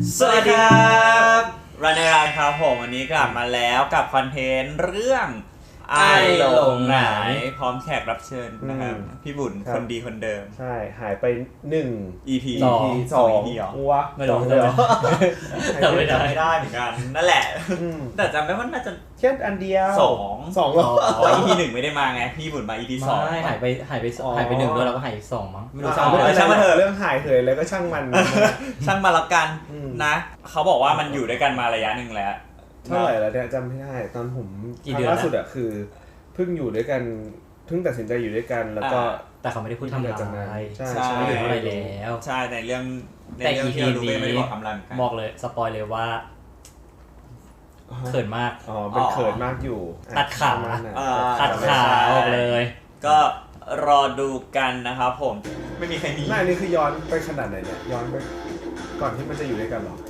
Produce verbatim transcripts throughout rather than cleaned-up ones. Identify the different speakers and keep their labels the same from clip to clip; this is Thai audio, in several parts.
Speaker 1: สวัสดีครับรันในรานครับผมวันนี้กลับมาแล้วกับคอนเทนต์เรื่องไอหลงไหนพร้อมแขกรับเชิญนะครับพี่บุญคนดีคนเดิม
Speaker 2: ใช่หายไปหนึ่ง
Speaker 1: อี พี
Speaker 2: สอง
Speaker 1: สอง อี พี หรอ
Speaker 2: วะ
Speaker 3: ไม่รู้
Speaker 2: เลยเหรอ
Speaker 1: จำไม่ได้ไม่ได้เหมือนกันนั่นแหละแต่จำได้ว่าน่าจะ
Speaker 2: แค่อันเดียว
Speaker 1: สอง
Speaker 2: สองเหรอ
Speaker 1: เพราะ อี พี หนึ่งไม่ได้มาไงพี่บุญมา อี พี สอง
Speaker 3: ไม่หายไปหายไป
Speaker 2: อ๋อ
Speaker 3: หายไปหนึ่งด้วยแล้วก็หายอีกสองมั้งไม่รู้
Speaker 2: ช่าง
Speaker 3: จำ
Speaker 2: มัน
Speaker 3: ไม่ได้
Speaker 1: ช่างมันเถอะ
Speaker 2: เรื่องหายเหยแล้วก็ช่างมัน
Speaker 1: ช่างมาแล้วกัน
Speaker 2: อืม
Speaker 1: นะเขาบอกว่ามันอยู่ด้วยกันมาระยะหนึ่งแล้ว
Speaker 2: เท่าไหร่แล้วเนี่ยจำไม่ได้ตอนผมครั้งล่าสุดอะคือเพิ่งอยู่ด้วยกันเพิ่งตัดสินใจอยู่ด้วยกันแล้วก็
Speaker 3: แต่เขาไม่ได้พูดทำลาย
Speaker 2: ใช่
Speaker 1: ใช่
Speaker 3: ไม่ได้พูดอะไรแล้ว
Speaker 1: ใช่ในเรื่องใน
Speaker 3: แต่
Speaker 1: เรื่อง
Speaker 3: อี
Speaker 1: ที่
Speaker 3: พี
Speaker 1: เรารู้
Speaker 3: นี้
Speaker 1: ไม่ได้บอกคำรามกัน
Speaker 3: บอกเลยสปอยเลยว่าเขินมาก
Speaker 2: อ๋อเป็นเขินมากอยู่
Speaker 3: ตัดขา
Speaker 2: ประมาณนั้น
Speaker 1: อ่า
Speaker 3: ตัดขาออกเลย
Speaker 1: ก็รอดูกันนะครับผมไม่มีใครหนี
Speaker 2: ไม่อันนี้คือย้อนไปขนาดไหนเนี่ยย้อนไปก่อนที่มันจะอยู่ด้วยกันเหรอ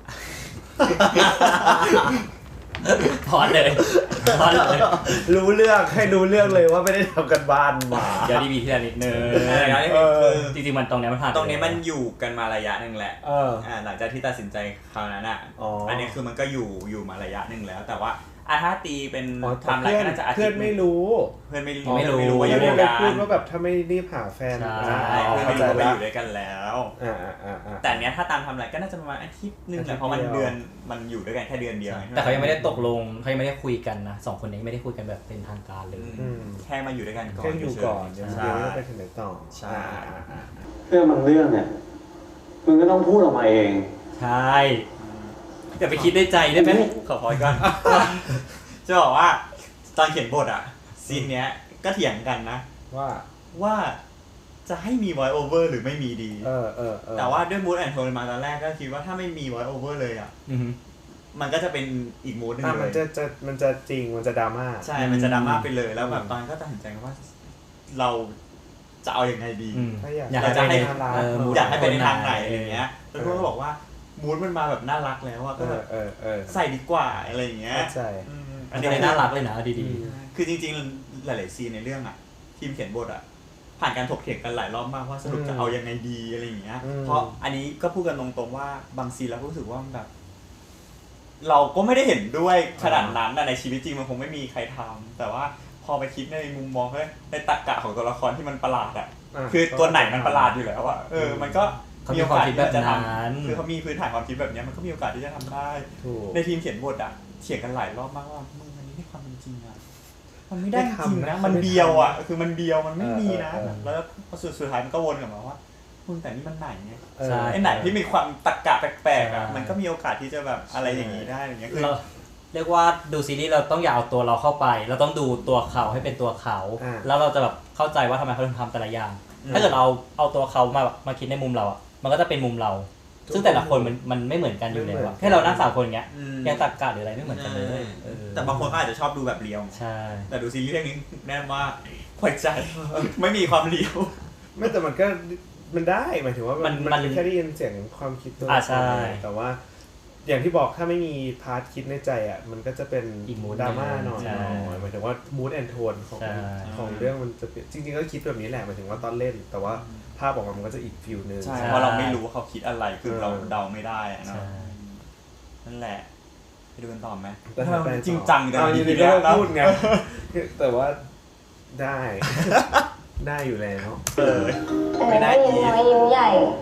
Speaker 3: พอดเลยพอดเลย
Speaker 2: รู้เรื่องให้รู้เรื่องเลยว่าไม่ได้ทำกันบ้านมา
Speaker 3: เดี๋ยวดีบีที่ละนิดนึง
Speaker 1: อะไรนะนี่
Speaker 2: เออ
Speaker 1: คือ
Speaker 3: จริงๆมันตรงเนี้ยมันผ่านไป
Speaker 1: ตรงนี้มันอยู่กันมาระยะหนึ่งแหละ
Speaker 2: เออ
Speaker 1: อ่าหลังจากที่ตัดสินใจคราวนั้นอ่ะ
Speaker 2: อ๋ออั
Speaker 1: อันนี้คือมันก็อยู่อยู่มาระยะหนึ่งแล้ว แต่ว่าอาถ้าตีเป็น
Speaker 2: อ๋อ
Speaker 1: ไทม์ไลน์ก็น่าจะอาทิ
Speaker 2: เพื่อ
Speaker 1: ต
Speaker 2: น
Speaker 1: ย์
Speaker 2: ไม่รู้
Speaker 1: เพื่อนไม่รู้
Speaker 3: ไม่รู้
Speaker 1: ไม่รู้ว่าอ
Speaker 2: ยัง
Speaker 1: ยู่
Speaker 2: ไม่
Speaker 1: ด้วย
Speaker 2: ได้
Speaker 1: กัน
Speaker 2: พูดว่าแบบถ้าไม่รีบหาแฟน
Speaker 3: ใช่
Speaker 1: ใช่
Speaker 2: อ๋อ
Speaker 1: เพื่อน
Speaker 2: เข้า
Speaker 1: ไม่
Speaker 2: ใจ
Speaker 1: รู้ว่า
Speaker 2: ละ
Speaker 1: อยู่ด้วยกันแล้ว
Speaker 2: อ่าอ่าอ่าอ่า
Speaker 1: แต่เนี้ยถ้าตามไทม์ไลน์ก็น่าจะประมาณอาทิตย์หนึงแหละเพราะมัน
Speaker 2: อาทิตย์เดียว
Speaker 1: เดือนมันอยู่ด้วยกันแค่เดือนเดียว
Speaker 3: แต่เขายังไม่ได้ตกลงเขายังไม่ได้คุยกันนะสองคนนี้ไม่ได้คุยกันแบบเป็นทางการเลย
Speaker 1: อืมแค่มาอยู่ด้วยกันก่อน
Speaker 2: แค่อยู่ก่อนยัง
Speaker 1: ใช่
Speaker 2: ยังไม่ได้ไปถึงไหนต่อ
Speaker 1: ใช่
Speaker 2: อ่าอ่าอ่า
Speaker 4: เรื่องบางเรื่องเนี่ยมึงก็ต้องพูดออกมาเอง
Speaker 3: ใช่อย่าไปคิดในใจได้ไหม
Speaker 1: ขอพอยก่อน จะบอกว่าตอนเขียนบทอะซีนเนี้ยก็เถียงกันนะ
Speaker 2: ว่า
Speaker 1: ว่าจะให้มี voice over หรือไม่มีดี
Speaker 2: เออเออเออ
Speaker 1: แต่ว่าด้วย mood and tone มาตอนแรกก็คิดว่าถ้าไม่มี voice over เลยอะ
Speaker 3: อือฮึ
Speaker 1: มันก็จะเป็นอีก mood หนึง
Speaker 2: อ่ะ
Speaker 1: เล
Speaker 2: มัน
Speaker 1: ย
Speaker 2: จะจะมันจะจริงมันจะดราม่า
Speaker 1: ใช่ มันจะดราม่าไปเลยแล้วแบบ
Speaker 2: อืม
Speaker 1: ตอนนนก็ตัดสินใจว่า เราจะเอาอย่างไงดี
Speaker 3: อืม
Speaker 2: ถ้าอยาก
Speaker 3: อยาก
Speaker 1: จะให้
Speaker 3: ให้
Speaker 2: เออ
Speaker 3: มูด
Speaker 1: อยากให้เป็นในทางไหน
Speaker 3: เอออ
Speaker 1: อย่างเงี้ยแล้วก็บอกว่า mood มันมาแบบน่ารักแล้วอะ
Speaker 2: เอ
Speaker 1: ก็แบ
Speaker 2: อบ เออเออ
Speaker 1: ใส่ดีกว่าอะไรอย่างเงี้ย
Speaker 2: เข้าใจ
Speaker 1: อืม
Speaker 3: อันนี้น่ารักเลยนะดี
Speaker 2: อืม
Speaker 1: คือจริงๆ หลายๆซีนในเรื่องอะทีมเขียนบทอะผ่านการถกเถียงกันหลายรอบมากว่าสรุปจะเอายังไงดีอะไรอย่างเงี้ย
Speaker 2: อืม
Speaker 1: เพราะอันนี้ก็พูดกันตรงๆว่าบางซีนเราก็รู้สึกว่ามันแบบ เราก็ไม่ได้เห็นด้วยขนาดนั้นอะในชีวิตจริงมันคงไม่มีใครทำแต่ว่าพอไปคิดในมุมมองเฮ้ยในตรรกะของตัวละครที่มันประหลาดอะ
Speaker 2: ะ
Speaker 1: คือตัวไหนมันประหลาดอยู่แล้วอะเออมันก็
Speaker 3: ๆเขามีความคิดแบบนั้น
Speaker 1: คือเขามีพื้นฐานความคิดแบบเนี้ยมันก็มีโอกาสที่จะทำได้
Speaker 2: ถูก
Speaker 1: ในทีมเขียนบทอะเถียงกันหลายรอบมากว่ามึงมันไม่ได้ความเป็นจริงอะมันไม่ได้จริงนะมันเบียวอะคือมันเบียวมันไม่มีนะแล้วสุดสุดท้ายมันก็วนกลับมาว่ามึงแต่นี่มันไหนเนี่ย
Speaker 2: เออ
Speaker 3: ใช่
Speaker 1: ไอ้ไหนที่มีความตรรกะแปลกๆอะ
Speaker 3: ใช่
Speaker 1: มันก็มีโอกาสที่จะแบบอะไรอย่างนี้ได้อย่างเงี้ยคือ
Speaker 3: เราเรียกว่าดูซีรีส์เราต้องอย่าเอาตัวเราเข้าไป เราต้องดูตัวเขาให้เป็นตัวเขา
Speaker 2: อ่า
Speaker 3: แล้วเราจะแบบเข้าใจว่าทำไมเขาถึงทำแต่ละอย่าง
Speaker 1: อืม
Speaker 3: ถ้าเกิดเราเอาตัวเขามามาคิดในมุมเราอ่ะมันก็จะเป็นมุมเรา ซึ่งแต่ละคนมันมันไม่เหมือนกันอยู่แล้วอะแค่เรานั่งสามคนอย่างเงี้ย
Speaker 1: อืม
Speaker 3: ยังตรรกะหรืออะไรไม่เหมือนกันเลยเออ
Speaker 1: แต่บางคนก็อาจจะชอบดูแบบเรียว
Speaker 3: ใช่
Speaker 1: แต่ดูซีรีส์เรื่องนี้แน่ว่าหัวใจ ไม่มีความเรียว
Speaker 2: ไม่แต่มันก็มันได้หมายถึงว่ามัน
Speaker 3: มัน
Speaker 2: มันแค่ได้ยินเสียงความคิดตัว
Speaker 3: อ่าใช่
Speaker 2: แต่ว่า อย่างที่บอกถ้าไม่มีพาร์ทคิดในใจอ่ะมันก็จะเป็น
Speaker 3: อีก mood
Speaker 2: ดราม่าหน่อย
Speaker 3: ใช่
Speaker 2: หมายถึงว่า mood and tone ของ
Speaker 3: ใช่
Speaker 2: ของเรื่องมันจะเปลี่ยนจริงๆก็คิดแบบนี้แหละหมายถึงว่าตอนเล่น แต่ว่าภาพออกมามันก็จะอีกฟิลนึง
Speaker 1: ใช่เพราะเราไม่รู้ว่าเขาคิดอะไรคือเรา
Speaker 2: เออ
Speaker 1: เดาไม่ได้อะเนาะ
Speaker 3: ใช่
Speaker 1: นั่นแหละไปดูกันต่อไหม
Speaker 2: แต่ถ้าไป
Speaker 1: จริงจังจัง
Speaker 2: เอา
Speaker 1: ดี
Speaker 2: อยู่
Speaker 1: ที
Speaker 2: ดี
Speaker 1: เนี้ย
Speaker 2: ก็พูดไง แต่ว่าได้ ได้อยู่แล้ว
Speaker 1: เออ
Speaker 5: เออ
Speaker 1: ไม่ได้
Speaker 5: ยิ้ม
Speaker 1: อี
Speaker 5: น้อยยิ้มใหญ่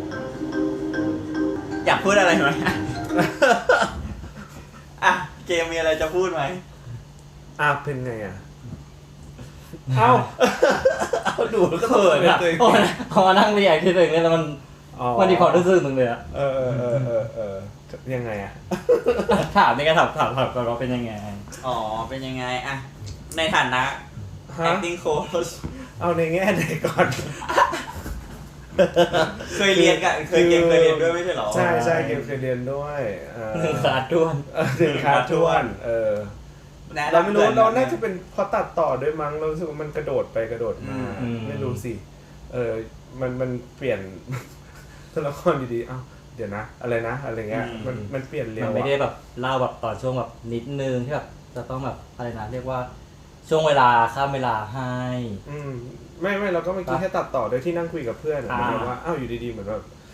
Speaker 1: อยากพูดอะไรไหม อ่ะเกมมีอะไรจะพูดไหม
Speaker 2: อ่ะเป็นไงอ่ะเอ้าเอาดูแล้วก็
Speaker 3: เขินอะ
Speaker 2: ตัวเอง
Speaker 3: พอพอมานั่งเรียกที่ตัวเองเนี่ยแล้วมัน
Speaker 2: อ๋อ
Speaker 3: มันมีความรู้สึกหนึ่งเลยอะ
Speaker 2: เออเออเออเออเออยังไงอ่ะ
Speaker 3: ถามนี่ก็ถามถามถามก่อนว่าเป็นยังไง
Speaker 1: อ๋อเป็นยังไงอะในฐานะ
Speaker 2: ฮะ
Speaker 1: acting coach
Speaker 2: เอาในแง่ไหนก่อน
Speaker 1: เคยเรียนกันเคยเกมเคยเรียนด้วยไม่ใช่เหรอ
Speaker 2: ใช่ใช่เกมเคยเรียนด้วยเออ
Speaker 3: หนึ่งขาดด้วน
Speaker 2: เออหนึ่งคาทวนเออ
Speaker 1: แนะ
Speaker 2: เราไม่รู้
Speaker 1: นำ
Speaker 2: เราน่าจะเป็นเพราะตัดต่อด้วยมั้งเรารู้สึกว่ามันกระโดดไปกระโดดมา
Speaker 3: อืม
Speaker 2: ไม่รู้สิเออมันมันเปลี่ยน ตัวละครดีๆเอ้าเดี๋ยวนะ อะไรนะอะไรเงี้ยมันมันเปลี่ยนเร็
Speaker 3: มั
Speaker 2: วน
Speaker 3: ไม่ได้
Speaker 2: อะ
Speaker 3: แบบเล่าแบบตอนช่วงแบบนิดนึงที่แบบจะต้องแบบอะไรนะเรียกว่าช่วงเวลาข้ามเวลาให้
Speaker 2: อืมไม่ไม่เราก็เมื่อกี้แค่ตัดต่อโดยที่นั่งคุยกับเพื่อนอะ
Speaker 3: อ่า
Speaker 2: เหมือนกับว่าอ้าวอยู่ดีๆเหมือนแบบ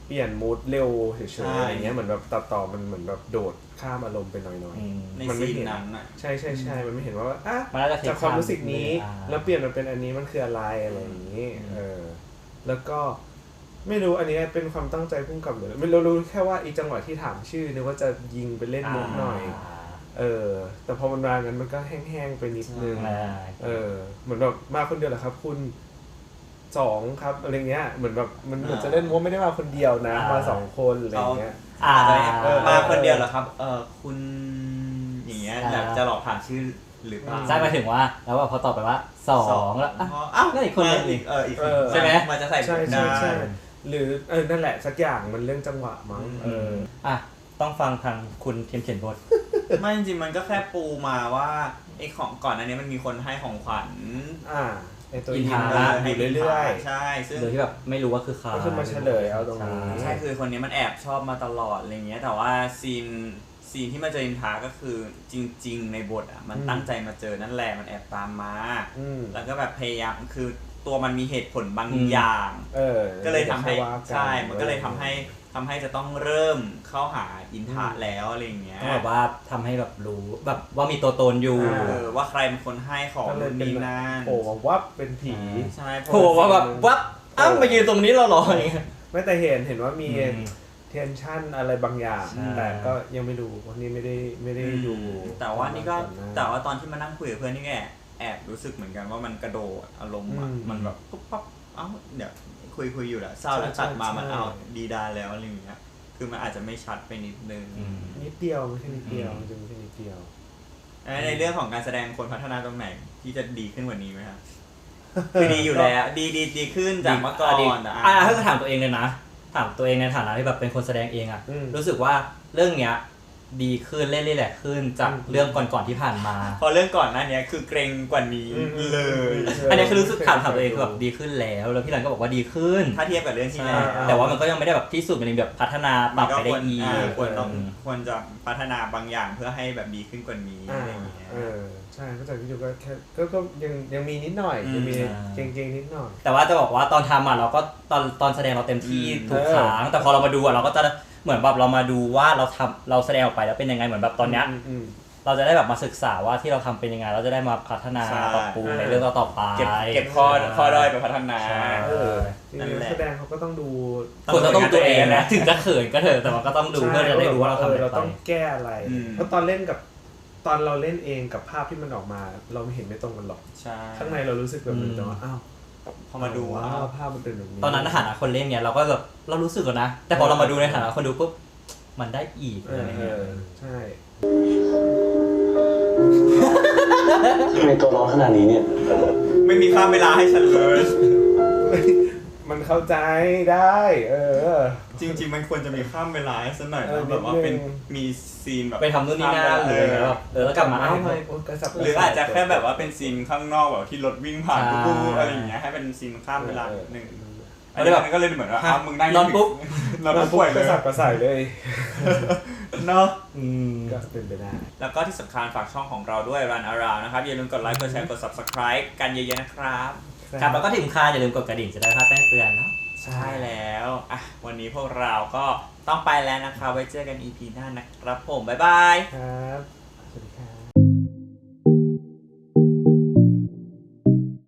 Speaker 2: เปลี่ยนมูดเร็วเฉย
Speaker 1: ใช่
Speaker 2: ๆอะไรเงี้ยเหมือนแบบตัดต่อมันเหมือนแบบโดดข้ามอารมณ์ไปหน่อย
Speaker 3: อืม
Speaker 1: ใน
Speaker 2: มันไม่
Speaker 1: ซีน
Speaker 2: เห็น
Speaker 1: นั้นน่ะ
Speaker 2: ๆใช่ใช่ใช่มันไม่เห็นว่าอ่ะ
Speaker 3: มันน่าจะ
Speaker 2: จากความรู้สึกนี้
Speaker 3: อ่า
Speaker 2: แล้วเปลี่ยนมาเป็นอันนี้มันคืออะไรอะไรอย่างนี้เออแล้วก็ไม่รู้อันนี้เป็นความตั้งใจพุ่งกับหรือไม่รู้รู้แค่ว่าอีจังหวะที่ถามชื่อนึกว่าจะยิงไปเล่นมุกหน่อย เออแต่พอมันมางั้นมันก็แห้งๆไปนิดนึง
Speaker 3: อ่า
Speaker 2: เออเหมือนแบบมาคนเดียวเหรอครับ คุณสองครับอะไรเงี้ยเหมือนแบบมันเหมือนจะเล่นมุกไม่ได้มาคนเดียวนะ
Speaker 3: อ่าม
Speaker 2: มาสองคนอะไรเงี้ย
Speaker 3: อ่า
Speaker 2: เออ
Speaker 1: มาคนเดียวเหรอครับ เออคุณอย่างเงี้ย
Speaker 3: อ่า
Speaker 1: อยากจะหลอกถามชื่อหรือเปล่า
Speaker 3: ใช่หมายถึงว่าแล้วว่าพอตอบไปว่าสองแล้วอ่ะ
Speaker 1: อ้าว
Speaker 3: นั่นอีกคนนึง
Speaker 1: อีกเอออีก
Speaker 2: เออ
Speaker 1: ใช่ไหมมันจะใส่
Speaker 2: ใช่
Speaker 1: ได้
Speaker 2: ใช่ใช่หรือเออนั่นแหละสักอย่างมันเรื่องจังหวะมั้งเออ
Speaker 3: อ่ะต้องฟังทางคุณเทียมเขียนบท
Speaker 1: ไม่จริงๆมันก็แค่ปูมาว่าไอ้ของก่อนอันนี้มันมีคนให้ของขวัญ
Speaker 2: อ่าไอตัว
Speaker 3: อิ
Speaker 2: อิ
Speaker 3: น
Speaker 2: น
Speaker 3: ทา
Speaker 2: ทาอยู่เรื่อย
Speaker 1: ใช่ซึ่ง
Speaker 3: โดยที่แบบไม่รู้ว่าคือใคร
Speaker 2: ก็คือมาเฉลยเอาตรงนี้
Speaker 1: ใช่คือคนนี้มันแอบชอบมาตลอดอะไรเงี้ยแต่ว่าซีนซีนที่มาเจออินทาก็คือจริง ๆ ในบทอ่ะมันตั้งใจมาเจอนั่นแหละมันแอบตามมา
Speaker 2: ๆอืม
Speaker 1: แล้วก็แบบพยายามคือตัวมันมีเหตุผลบางอย่าง
Speaker 2: เออ
Speaker 1: ก็เลยทำให้
Speaker 2: ว่ากัน
Speaker 1: ใช่มันก็เลยทำให้ทำให้จะต้องเริ่มเข้าหาอินทาแล้วอะไรอย่างเงี้ย
Speaker 3: ต้องแบบว่าทำให้แบบรู้แบบว่ามีตัวตนอยู่
Speaker 1: เออว่าใครเป็นคนให้ของ
Speaker 2: ก็เลย
Speaker 1: นู่น
Speaker 2: เป็น
Speaker 1: นี่
Speaker 2: แบบ
Speaker 1: นั่น
Speaker 2: โผล่มาวับเป็นผี
Speaker 1: ใช่
Speaker 3: โผล่ว่าแบบวับอ้าวมายืนตรงนี้เราหรออะไรเงี้ย
Speaker 2: ไม่แต่เห็นเห็นว่ามี
Speaker 3: อืม
Speaker 2: เทนชั่นอะไรบางอย่าง
Speaker 3: ใช่
Speaker 2: แต่ก็ยังไม่รู้วันนี้ไม่ได้ไม่ได้ดู
Speaker 1: แต่ว่านี่ก็
Speaker 2: อนหน้า
Speaker 1: แต่ว่าตอนที่มานั่งคุยกับเพื่อนนี่แอบแอบรู้สึกเหมือนกันว่ามันกระโดดอารมณ์อะ
Speaker 2: อืม
Speaker 1: มันแบบปุ๊บปั๊บเอ้าเดี๋ยวคุยคุยอยู่แหละเศร้าแล้ว
Speaker 2: ใช่
Speaker 1: ตัดมา
Speaker 2: ใช่
Speaker 1: มันเอาดีดาแล้วอะไรอย่างเงี้ยคือมันอาจจะไม่ชัดไปนิดนึง
Speaker 3: อืม
Speaker 2: นิดเดียวไม่ใช่นิดเดียว
Speaker 3: อืม
Speaker 2: จริงไม่ใช่นิดเดียว
Speaker 1: แล้วในเรื่องของการแสดงคนพัฒนาตรงไหนที่จะดีขึ้นกว่านี้ไหมครับคือดีอยู่แล้วดีดีดีขึ้นจากเมื่อก่อนอะ
Speaker 3: อ่ะถ้าจะถามตัวเองเลยนะถามตัวเองในฐานะที่แบบเป็นคนแสดงเองอะ
Speaker 2: อืม
Speaker 3: รู้สึกว่าเรื่องเนี้ยดีขึ้นเรื่อยๆแหละขึ้นจาก
Speaker 2: อืม
Speaker 3: เรื่องก่อนๆที่ผ่านมา
Speaker 1: พอเรื่องก่อนหน้านี้คือเกรงกว่านี้
Speaker 2: อืม
Speaker 1: เลย
Speaker 3: อันนี้คือรู้สึกถามถามตัวเองคือแบบดีขึ้นแล้วแล้วพี่รันก็บอกว่าดีขึ้น
Speaker 1: ถ้าเทียบกับเรื่องที่
Speaker 3: ใช่
Speaker 1: แล้ว
Speaker 3: แต่ว่ามันก็ยังไม่ได้แบบที่สุดมันยังแบบพัฒนาปรับไปได้อีก
Speaker 1: าควรต้อง
Speaker 3: อืม
Speaker 1: ควรจะพัฒนาบางอย่างเพื่อให้แบบดีขึ้นกว่านี้
Speaker 2: อ่า
Speaker 1: อะไรอย่างเงี้ย
Speaker 2: เออใช่เข้าใจพี่ดูก็แค่ก็ก็ยังยังมีนิดหน่อย
Speaker 1: อืม
Speaker 2: ยังมี
Speaker 3: ใช่
Speaker 2: เก่งๆนิดหน่อย
Speaker 3: แต่ว่าจะบอกว่าตอนทำอ่ะเราก็ตอนตอนแสดงเราเต็มที่
Speaker 1: อืม
Speaker 3: ทุกครั้งแต่พอเรามาดูอ่ะเราก็จะเหมือนแบบเรามาดูว่าเราทำเราแสดงออกไปแล้วเป็นยังไงเหมือนแบบตอนเนี้ย
Speaker 2: มอืม
Speaker 3: เราจะได้แบบมาศึกษาว่าที่เราทำเป็นยังไง เราจะได้มาพัฒนา
Speaker 1: ใช่
Speaker 3: ปรับปรุง
Speaker 2: อ่า
Speaker 3: ในเรื่องต่อๆไป
Speaker 1: เก็บเก็บข้อข้อด้อยไปพัฒนา
Speaker 3: ใช่
Speaker 2: เออจริ
Speaker 1: นั่น
Speaker 2: ง
Speaker 1: แห
Speaker 2: ๆ
Speaker 1: ละ
Speaker 2: แสดงเขาก็ต้องดู
Speaker 3: คนเราต้องดูตัวเองนะถึงจะเขินก็เถอะแต่มันก็ต้องดูเพื่อจะได้รู้ว่าเราทำอะไร
Speaker 2: เรา
Speaker 3: ไป
Speaker 2: ต้องแก้อะไร
Speaker 1: อืม
Speaker 2: เพราะตอนเล่นกับตอนเราเล่นเองกับภาพที่มันออกมา เราไม่เห็นไม่ตรงกันหรอก
Speaker 1: ใช่
Speaker 2: ข้างในเรารู้สึกแบบนั้นแต่ว่าอ้าว
Speaker 1: พอมาดู
Speaker 2: ว้า
Speaker 1: ว่า
Speaker 2: วภาพมันเป็นแบบนี้
Speaker 3: ตอนนั้นในฐานะคนเล่นเนี่ยเราก็แบบเรารู้สึกก่อนนะ แต่พอเรามาดูในฐานะคนดูปุ๊บมันได้อีก
Speaker 2: เอ
Speaker 3: อะไร
Speaker 2: อเอ
Speaker 3: เงี้ย
Speaker 2: อใช่
Speaker 4: ทำไมตัวร้อนขนาดนี้เนี่ย
Speaker 1: ไม่มีข้ามเวลาให้ฉันเลย
Speaker 2: มันเข้าใจได้ เออ
Speaker 1: จริง ๆ มันควรจะมีข้ามเวลาให้สักหน่อย
Speaker 2: เออ
Speaker 1: นะแบบว่าเป็น
Speaker 2: นิดนึง
Speaker 1: มีซีนแบบ
Speaker 3: ไปทำนู่นนี่นั่นเลยแล้วแบบเออแล้วกลับมาเอ้าทำไม
Speaker 2: กระสับกระ
Speaker 1: หรือ
Speaker 2: ส่าย
Speaker 1: อาจจะแค่แบบว่าเป็นซีนข้างนอกแบบที่รถวิ่งผ่าน
Speaker 3: ใช่
Speaker 1: ปุ๊บๆอะไรอย่างเงี้ยให้เป็นซีนข้ามเวลาหนึ่ง
Speaker 3: เออ
Speaker 1: อันนี้แบบก็เลยเหมือนว่าอ้าวมึงนั่ง
Speaker 3: นอนปุ๊บ
Speaker 1: นอนปุ๊บป่วย
Speaker 2: ก
Speaker 1: เล
Speaker 2: ระ
Speaker 1: ย
Speaker 2: สับกระส่ายเลย
Speaker 1: เนาะ
Speaker 3: อืม
Speaker 2: ก็เป็นไปได้
Speaker 1: แล้วก็ที่สำคัญฝากช่องของเราด้วย Run Around นะครับ อย่าลืมกดไลค์ กดแชร์ กด Subscribe กันเยอะๆนะครับ
Speaker 3: ครับแล้วก็ถึงคาอย่าลืมกดกระดิ่งจะได้พลาดแจ้งเตือนเนาะ
Speaker 1: ใช่แล้วอ่ะวันนี้พวกเราก็ต้องไปแล้วนะคะ ไว้เจอกัน อี พี หน้านะครับผม บ๊ายบาย
Speaker 2: ครับ